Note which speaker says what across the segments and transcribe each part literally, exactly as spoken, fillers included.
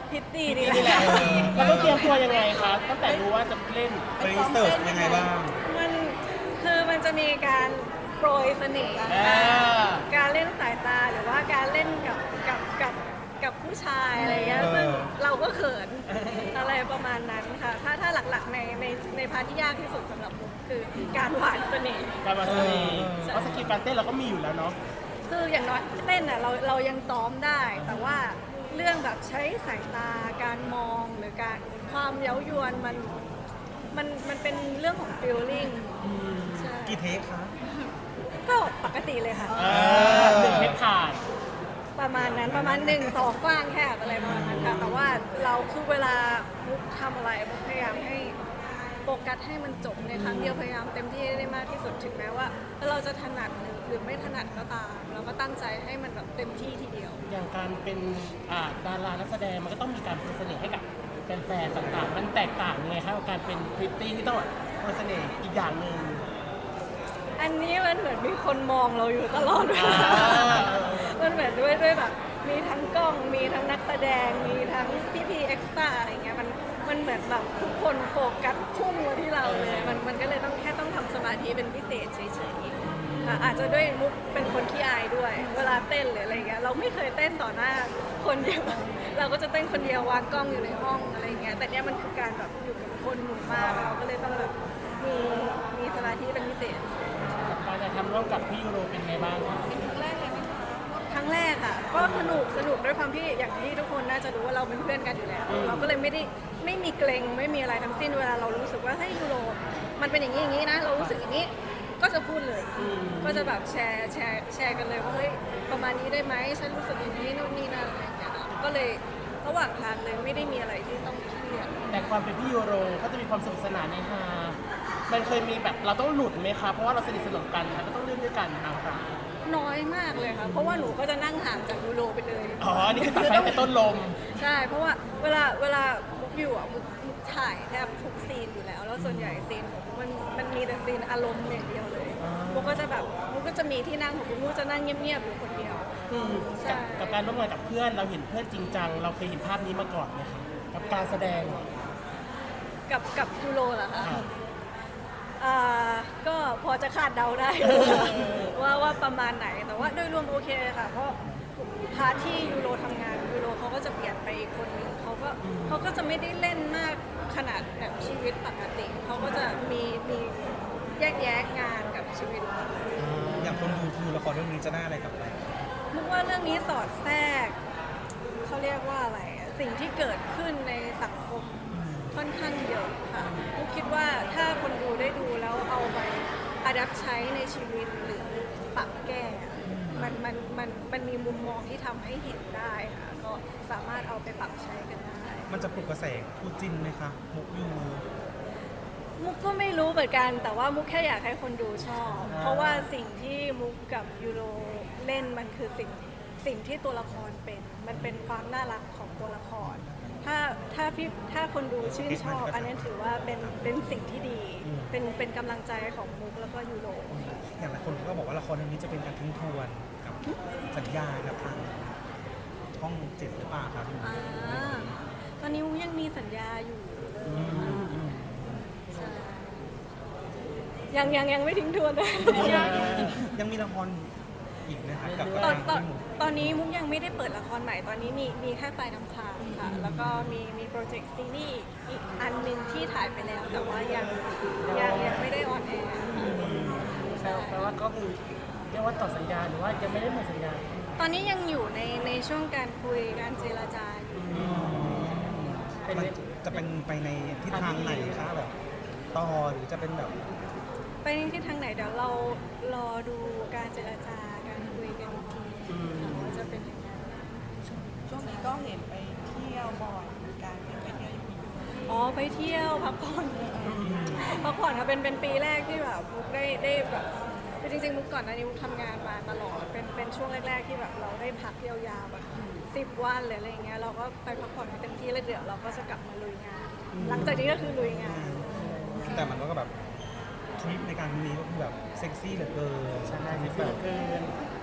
Speaker 1: พิตตี้นี่แหละ
Speaker 2: เราต้องเตรียมตัวยังไงคะตั้งแต่รู้ว่าจะเล่น
Speaker 3: ไปรีเสิร์ชยังไงบ้าง
Speaker 1: มันคือมันจะมีการโปรยเสน่ห์การเล่นสายตาหรือว่าการเล่นกับกับกับกับผู้ชายอะไรเงี้ยซึ่งเราก็เขินอะไรประมาณนั้นค่ะถ้าถ้าหลักๆในในในพาร์ทที่ยากที่สุดสำหรับผมคือการหวานเสน่ห์
Speaker 2: การมาเสน่ห์เพราะสกิลการเต้นเราก็มีอยู่แล้วเนาะ
Speaker 1: คืออย่างน้อยเต้นอ่ะเราเรายังซ้อมได้แต่ว่าเรื่องแบบใช้สายตาการมองหรือการความเย้ายวนมันมันมันเป็นเรื่องของ feeling ใช่
Speaker 3: กี่เทคคะ
Speaker 1: ก็ปกติเลยค่ะ
Speaker 2: หนึ่งเทคผ่าน
Speaker 1: ประมาณนั้นประมาณหนึ่งสองกว้างแคบอะไรประมาณนั้นค่ะแต่ว่าเราคือเวลามุกทำอะไรมุกพยายามให้โฟกัสให้มันจบในครั้งเดียวพยายามเต็มที่ได้มากที่สุดถึงแม้ว่าเราจะถนัดหรือไม่ถนัดก็ตามเราก็ตั้งใจให้มันแบบเต็มที่ทีเดียว
Speaker 2: อย่างการเป็นดารานักแสดงมันก็ต้องมีการเพิ่มเสน่ห์ให้กับแฟนๆต่างๆมันแตกต่างยังไงครับกับการเป็นพริตตี้ที่ต้องเพิ่มเสน่ห์อีกอย่างหนึ่ง
Speaker 1: อันนี้มันเหมือนมีคนมองเราอยู่ตลอดเวลามันเหมือนด้วยด้วยแบบมีทั้งกล้องมีทั้งนักแสดงมีทั้งพี่พีเอ็กซ์ตร้าอะไรเงี้ยมันมันเหมือนแบบทุกคนโฟกัสพุ่งมาที่เราเลยมันมันก็เลยต้องแค่ต้องทำสมาธิเป็นพิเศษเฉยๆอาจจะด้วยมุกเป็นคนขี้อายด้วยเวลาเต้นหรืออะไรเงี้ยเราไม่เคยเต้นต่อหน้าคนเดียวเราก็จะเต้นคนเดียววางกล้องอยู่ในห้องอะไรเงี้ยแต่เนี้ยมันคือการแบบอยู่กับคนหมู่มากเราก็เลยต้องแบบมีมีสมาธิเป็นพิเศษ
Speaker 2: การจะทำร่วมกับพี่ยูโรเป็นไงบ้างครับ
Speaker 1: เป็นครั้งแรกเลยไหมคะครั้งแรกค่ะก็สนุกสนุกด้วยความที่อย่างที่ทุกคนน่าจะรู้ว่าเราเป็นเพื่อนกันอยู่แล้วเราก็เลยไม่ได้ไม่มีเกรงไม่มีอะไรทั้งสิ้นเวลาเรารู้สึกว่าเฮ้ยยูโรมันเป็นอย่างนี้อย่างนี้นะเรารู้สึกอย่างนี้ก็จะพูดเลยก็จะแบบแชร์แชร์แชร์กันเลยว่าเฮ้ยประมาณนี้ได้ไหมฉันรู้สึกอย่างนี้นู่นนี่นั่นอะไรอย่างเงี้ยก็เลยระหว่างทางเลยไม่ได้มีอะไรที่ต้องเครียด
Speaker 2: แต่ความเป็นพี่ยูโรเขาจะมีความสนุกสนานในฮามันเคยมีแบบเราต้องหลุดไหมคะเพราะว่าเราสนิทสนมกันเราต้องเล่นด้วยกันนะครับ
Speaker 1: น้อยมากเลยค่ะเพราะว่าหนูก็จะนั่งห่างจากยูโรไปเลย
Speaker 2: อ๋อนี่คือตัดไฟในต้นลม
Speaker 1: ใช่เพราะว่าเวลาเวลามุกอยู่อ่ะมุกมุกถ่ายแทบทุกซีนอยู่แล้วแล้วส่วนใหญ่ซีนของมุกมันมันมีแต่ซีนอารมณ์อย่างเดียวเลยมุกก็จะแบบมุกก็จะมีที่นั่งของมุกมุกจะนั่งเงียบๆอยู่คนเดียว
Speaker 2: ใช่กับการร่วมงานกับเพื่อนเราเห็นเพื่อนจริงจังเราเคยเห็นภาพนี้มาก่อนไหมคะกับการแสดง
Speaker 1: กับกับยูโรเหรอคะอ่าก็พอจะคาดเดาได้ว่าว่าประมาณไหนแต่ว่าโดยรวมโอเคค่ะเพราะพาร์ทที่ยูโรทำงานยูโรเขาก็จะเปลี่ยนไปอีกคนนึงเขาก็เขาก็จะไม่ได้เล่นมากขนาดแบบชีวิตปกติเขาก็จะมีมีแยกแยะงานกับชีวิต
Speaker 3: อย่างคนดูดูละครเรื่องนี้จะได้อะไรกลับไป
Speaker 1: มุกว่าเรื่องนี้สอดแทรกเขาเรียกว่าอะไรสิ่งที่เกิดขึ้นในสังคมค่อนข้างเยอะค่ะมุกคิดว่าถ้าคนดูได้ดูแล้วเอาไปอัดแอปใช้ในชีวิตหรือปรับแก้มันมันมันมันมีมุมมองที่ทำให้เห็นได้ค่ะก็สามารถเอาไปปรับใช้กันได้
Speaker 3: มันจะปลุกกระแสคู่จิ้นไหมคะมุกยู
Speaker 1: มุกก็ไม่รู้เหมือนกันแต่ว่ามุกแค่อยากให้คนดูชอบเพราะว่าสิ่งที่มุกกับยูโรเล่นมันคือสิ่งสิ่งที่ตัวละครเป็นมันเป็นความน่ารักของตัวละครถ้าถ้าพี่ถ้าคนดูชื่นชอบอันนี้ถือว่าเป็นเป็นสิ่งที่ดีเป็นเป็นกำลังใจของมุกแล้วก็ยูโร
Speaker 3: อย่างหลายคนก็บอกว่าละครเรื่องนี้จะเป็นการทิ้งทวนกับสัญญากับทางช่องเจ็ดหรือเปล่าครับ
Speaker 1: ตอนนี้มุกยังมีสัญญาอยู่ยังยังยังไม่ทิ้งทวนเลย
Speaker 3: ยังมีละครอีกนะครับกับ
Speaker 1: ตอนตอนตอนนี้มุกยังไม่ได้เปิดละครใหม่ตอนนี้มีมีแค่ปลายน้ำค้างค่ะแล้วก็มีมีโปรเจกต์ซีรีส์อีกอันหนึ่งที่ถ่ายไปแล้วแต่ว่ายังยังยังไม่ได้ออนแอร์
Speaker 2: ใช่แปลว่าก็คือเรียกว่าต่อสัญญาหรือว่ายังไม่ได้หมดสัญญา
Speaker 1: ตอนนี้ยังอยู่ในในช่วงการคุยการเจรจา
Speaker 3: มันจะเป็นไปในทิศทางไหนคะแบบต่อหรือจะเป็นแบบ
Speaker 1: ไปในทิศทางไหนเดี๋ยวเรารอดูการเจรจาการคุยกันอีกทีว่าจะเป็นยังไง
Speaker 4: ช่วงนี้ก็เห็นไปเที่ยวบ่อยเหมือนกันไปเที่ยวอยู่
Speaker 1: อ๋อไปเที่ยวพักผ่อนพักผ่อนค่ะเป็นเป็นปีแรกที่แบบมุกได้ได้แบบจริงๆมุกก่อนหน้านี้มุกทำงานมาตลอดเป็นเป็นช่วงแรกๆที่แบบเราได้พักยาวๆแบบสิบวันหรืออะไรเงี้ยเราก็ไปพักผ่อนให้เต็มที่แล้วเดี๋ยวเราก็จะกลับมาลุยงานหลังจากนี้ก็คือลุยงาน
Speaker 3: แต่มันก็แบบทริปในการนี้ก็คือแบบเซ็กซี่เหลือเกิน
Speaker 2: ใช่เซ็กซี่เหลือเกิน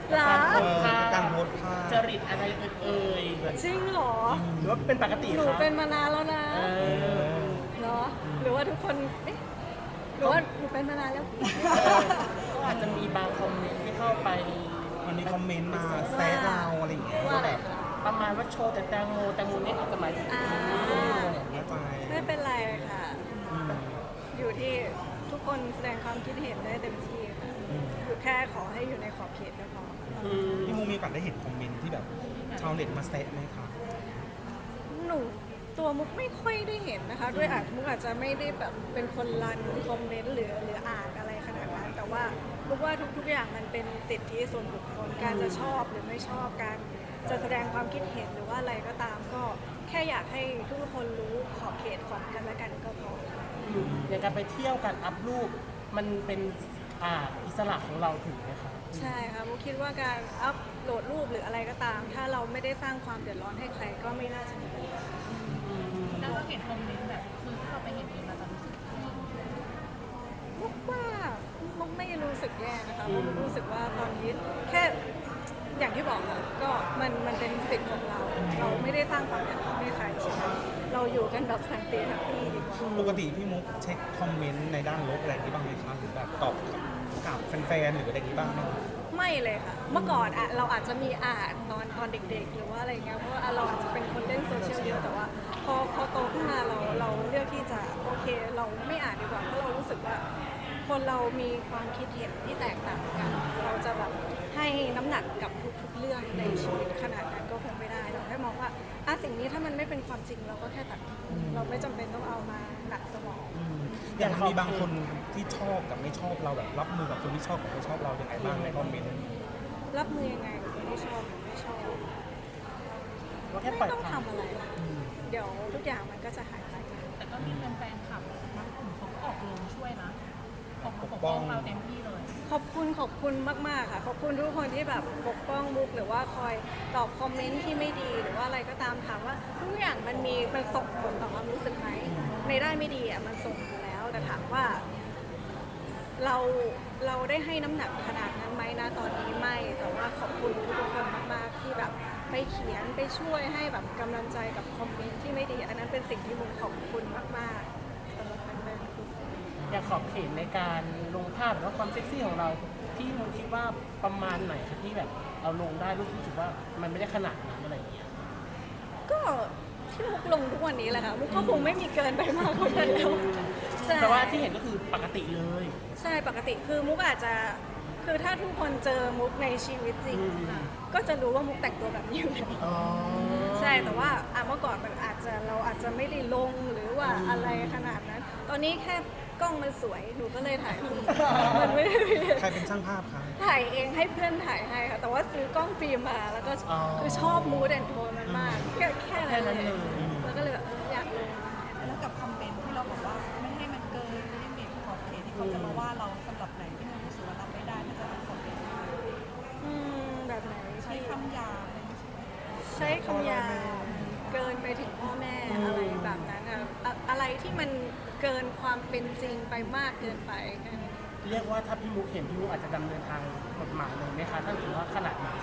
Speaker 1: เหรอ
Speaker 3: เออการโพสต์ภาพ
Speaker 2: จริตอะไรเอ่ย
Speaker 1: จริงเหรอ
Speaker 2: หรือว่าเป็นปกติ
Speaker 1: หนู
Speaker 2: ครับ
Speaker 1: เป็นมานานแล้วนะ
Speaker 2: เออ
Speaker 1: เหรอ หรือว่าทุกคนเอ๊ะหรือว่าหนูเป็นมานานแล้ว
Speaker 2: ก็อาจจะมีบางคอมเมนต์ที่เข้าไป
Speaker 3: มันมีคอมเมนต์มาแซะเราอะไรอย่างเงี้ย
Speaker 1: ว่า
Speaker 3: ว่า
Speaker 1: อะไร
Speaker 3: แบบ
Speaker 1: คะ
Speaker 2: ประมาณว่าโชว์แต่แตงโมแตงโมเนี่ยอาจจะหมายถึง
Speaker 1: อ่า
Speaker 3: เข้าใจ
Speaker 1: ไม่เป็นไรค่ะ
Speaker 3: อืม
Speaker 1: อยู่ที่ทุกคนแสดงความคิดเห็นได้เต็มที่ค่ะ
Speaker 3: อืม
Speaker 1: อยู่แค่ขอให้อยู่ในขอบเขตก็พอ
Speaker 2: อืม
Speaker 3: พี่มูมีโอกาสได้เห็นคอมเมนต์ที่แบบชาวเน็ตมาแซะไหมคะ
Speaker 1: หนูตัวมุกไม่ค่อยได้เห็นนะคะ ด้วยอาจมุกอาจจะไม่ได้แบบเป็นคนรันคอมเมนต์หรือหรืออ่านอะไรขนาดนั้น แต่ว่ามุกว่าทุกๆอย่างมันเป็นสิทธิส่วนบุคคล การจะชอบหรือไม่ชอบการจะแสดงความคิดเห็นหรือว่าอะไรก็ตาม ก็แค่อยากให้ทุกคนรู้ขอบเขตของกันและกันก็พอค่ะ
Speaker 2: อืมอย่างการไปเที่ยวการอัพรูปมันเป็นอ่าอิสระของเราถึงไหมคะ
Speaker 1: ใช่ค่ะมุกคิดว่าการอัพโหลดรูปหรืออะไรก็ตาม ถ้าเราไม่ได้สร้างความเดือดร้อนให้ใครก็ไม่น่าจะมีปัญหา
Speaker 5: แล้วเราเห็นคอมเมนต์แบบคือที่เราไปเห็นนี้มาจะรู้สึกยังไง
Speaker 1: มุกว่ามุกไม่รู้สึกแย่นะคะมุกรู้สึกว่าตอนนี้แค่อย่างที่บอกค่ะก็มันมันเป็นสิทธิ์ของเรา เราไม่ได้สร้างความเดือดร้อนให้ใครใช่ไหมเราอยู่กันแบบสันติแฮปปี้ดีกว่า
Speaker 3: ปกติพี่มุกเช็คคอมเมนต์ในด้านลบอะไรอย่างนี้บ้างไหมคะหรือแบบตอบกับแฟนๆหรืออะไรอย่างนี้บ้างไหมคะ
Speaker 1: ไม่เลยค่ะ เมื่อก่อนอะเราอาจจะมีอ่านตอนตอนเด็กๆ หรือว่าอะไรเงี้ย เพราะว่าเราอาจจะเป็นคนเล่นโซเชียลเยอะ แต่ว่าพอพอโตขึ้นมาเราเราเลือกที่จะโอเค เราไม่อ่านดีกว่า เพราะเรารู้สึกว่าคนเรามีความคิดเห็นที่แตกต่างกัน เราจะแบบให้น้ำหนักกับทุกๆเรื่องในชีวิตขนาดนั้นก็คงไม่ได้ เราแค่มองว่าอ่ะสิ่งนี้ถ้ามันไม่เป็นความจริงเราก็แค่ตัดทิ้งเราไม่จำเป็นต้องเอามาหนักสมอง
Speaker 3: อืมอย่างมีบางคนที่ชอบกับไม่ชอบเราแบบรับมือกับคนที่ชอบกับไม่ชอบเราอย่างไรบ้างในคอมเมนต์
Speaker 1: รับมือยังไงกับคนที่ชอบหรือไม่ชอบ
Speaker 2: ว่าแค่ปล่
Speaker 1: ไม่
Speaker 2: อย
Speaker 1: ต้อง
Speaker 2: ผ่าน
Speaker 1: ทำอะไร เดี๋ยวทุกอย่างมันก็จะหายไป
Speaker 5: แต่ก็มีแฟนๆขับบางกลุ่มเขาก็ออกโรงช่วยนะ ออกมาปกป้องเราเต็มที่เลย
Speaker 1: ขอบคุณขอบคุณมาก ๆ ค่ะ ขอบคุณทุกคนที่แบบปกป้องมุกหรือว่าคอยตอบคอมเมนต์ที่ไม่ดีหรือว่าอะไรก็ตามถามว่าทุกอย่างมันมีมันส่งผลต่อความรู้สึกไหมในด้านไม่ดีอ่ะมันส่งอยู่แล้ว แต่ถามว่า เราเราได้ให้น้ำหนักขนาดนั้นไหมนะตอนนี้ไม่แต่ว่าขอบคุณทุกคนมากๆที่แบบไปเขียนไปช่วยให้แบบกำลังใจกับคอมเมนต์ที่ไม่ดี อันนั้นเป็นสิ่งที่มุกขอบคุณมากๆสำหรับแฟนๆทุกคน
Speaker 2: อยากขอบเขตในการลงภาพหรือว่าความเซ็กซี่ของเราที่มุกคิดว่าประมาณไหนคะที่แบบเราลงได้รู้สึกว่ามันไม่ได้ขนาดนั้นอะไรอย่างเงี้ย
Speaker 1: ก็ที่มุกลงทุกวันนี้แหละค่ะมุกก็คงไม่มีเกินไปมากกว่านั้นแล้วใช่
Speaker 2: แต่ว่าที่เห็นก็คือปกติเลย
Speaker 1: ใช่ปกติคือมุกอาจจะคือถ้าทุกคนเจอมุกในชีวิตจริง
Speaker 2: อืม
Speaker 1: ก็จะรู้ว่ามุกแต่งตัวแบบนี้อยู่แล้ว
Speaker 2: อ๋อ
Speaker 1: ใช่แต่ว่าอ่ะเมื่อก่อนมันอาจจะเราอาจจะไม่ได้ลงหรือว่าอะไรขนาดนั้น ตอนนี้แค่กล้องมันสวยหนูก็เลยถ่ายรูปมันไม่ได้มี
Speaker 3: ใครเป็นช่างภาพคะ
Speaker 1: ถ่ายเองให้เพื่อนถ่ายให้ค่ะแต่ว่าซื้อกล้องฟิล์มมาแล้วก็คือชอบมูดแอนโทนมันมากแค่แค่นั้นเลยแล้วก็เลยแบบเอออยากลง
Speaker 4: แล้วกับคอมเมนต์ที่เราบอกว่าไม่ให้มันเกินลิมิตขอบเขตที่เขาจะมาว่าเราสำหรับไหนที่มันรู้สึกว่ารับไม่ได้ถ้าจะเป็นคอมเมนต์
Speaker 1: อืมแบบไหน
Speaker 4: ใช้
Speaker 1: ที่
Speaker 4: คำหยาบอะไรอย่างเงี้ย
Speaker 1: ใช้คำหยาบเกินไปถึงพ่อแม่อะไรแบบนั้นอะอะอะไรที่มันเกินความเป็นจริงไปมากเกินไปแค่นั้น
Speaker 2: เรียกว่าถ้าพี่มุกเห็นพี่มุกอาจจะดำเนินทางกฎหมายเลยไหมคะถ้าถือว่าขนาดนั้น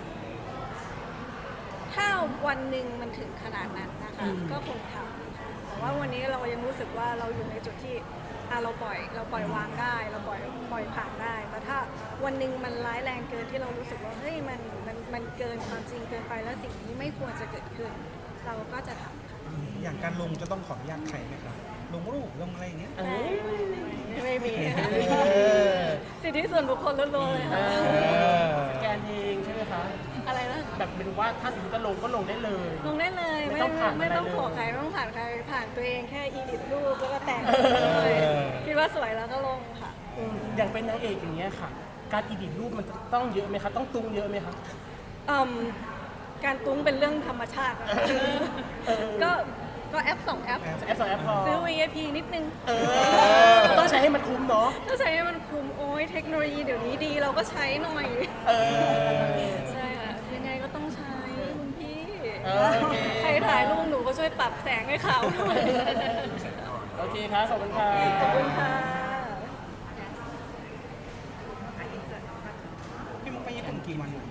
Speaker 1: ถ้าวันหนึ่งมันถึงขนาดนั้นนะคะ
Speaker 2: อืม
Speaker 1: ก็คงทำค่ะแต่ว่าวันนี้เรายังรู้สึกว่าเราอยู่ในจุดที่อ่ะเราปล่อยเราปล่อยวางได้ เราปล่อยปล่อยผ่านได้ แต่ถ้าวันหนึ่งมันร้ายแรงเกินที่เรารู้สึกว่าเฮ้ยมันมันมันเกินความจริงเกินไปแล้วสิ่งนี้ไม่ควรจะเกิดขึ้น เราก็จะทำค่ะ
Speaker 3: อย่างการลงจะต้องขออนุญาตใครไหมคะลงรูปลงอะไรอย่างเงี้ย
Speaker 2: เออ
Speaker 1: ไม่มี
Speaker 3: เออ
Speaker 1: สิทธิส่วนบุคคลล้วนๆเลย
Speaker 2: เอ
Speaker 1: ค่ะ
Speaker 2: อสแกนเองใช่ไหมคะ
Speaker 1: อะไรนะ
Speaker 2: แบบเป็นว่าถ้าสมมติจะลงก็ลงได้เลย
Speaker 1: ลงได้เลย
Speaker 2: ไม่
Speaker 1: ไม่
Speaker 2: ต้องผ่าน
Speaker 1: ไม่ต้อง
Speaker 2: อะไรเลย
Speaker 1: ขอใครไม่ต้องผ่านใครผ่านตัวเองแค่อีดิทรูปแล้วก็แต่งเลย
Speaker 3: เออ
Speaker 1: คิดว่าสวยแล้วก็ลงค่ะ
Speaker 2: อืมอย่างเป็นนางเอกอย่างเงี้ยค่ะ การอีดิทรูปมันต้องเยอะไหมคะต้องตุ้งเยอะไหมคะ
Speaker 1: อืมการตุ้งเป็นเรื่องธรรมชาติอะ
Speaker 2: เออ
Speaker 1: ก็ก็แอปสองแอป
Speaker 3: แอป
Speaker 2: แอปสองแอปพอ
Speaker 1: ซื้อ วี ไอ พี นิดนึง
Speaker 2: เออต้องใช้ให้มันคุ้มเนาะ
Speaker 1: ถ้าใช้ให้มันคุ้มโอ้ยเทคโนโลยีเดี๋ยวนี้ดีเราก็ใช้หน่อย
Speaker 2: เออ
Speaker 1: ใช่ค่ะยังไงก็ต้องใช้คุณพี่
Speaker 2: เออโอเค
Speaker 1: ใครถ่ายรูปหนูก็ช่วยปรับแสงให้เขาหน่อย
Speaker 2: โอเคครับขอบคุณค่ะ
Speaker 1: ขอบคุณค่ะ
Speaker 3: พี่มุกไปญี่ปุ่นกี่วัน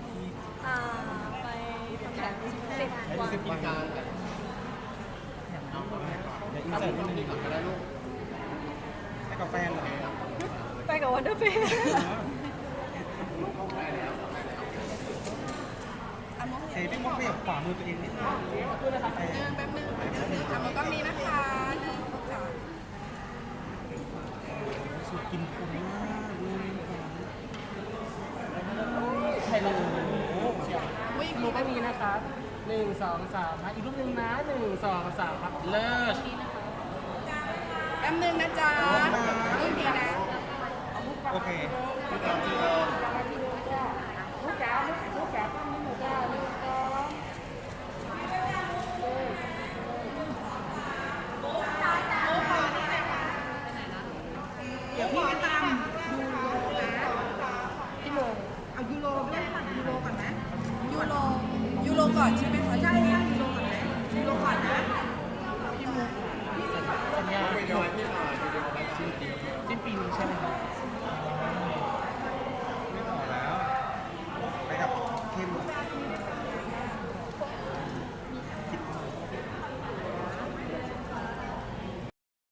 Speaker 3: ยี่สิบวันเดี๋ยวอินเสิร์ตนิดนึงไปกับแฟนเหรอ
Speaker 1: ไปกับวันเดอร์เฟย์
Speaker 4: อ่ะมอง
Speaker 3: เฮ้
Speaker 4: เห็
Speaker 3: ย
Speaker 4: น
Speaker 3: พี่มองไปกับขวามือตัวเองนิดนึง
Speaker 4: แป๊บนึงแป๊บนึงแป๊บนึงอ่ะมันก็มีนะคะหนึ่งสองสาม
Speaker 3: สุดกินคุ้มมากเลย
Speaker 2: ใช่เลยเชียว
Speaker 4: วิ่ง
Speaker 2: รูปไม่มีนะครับหนึ่งสองสามอีกรูปหนึ่งนะหนึ่งสองสามครับเลิศ
Speaker 4: แป๊บนึงนะจ๊ะโอเคนะ
Speaker 3: โอเค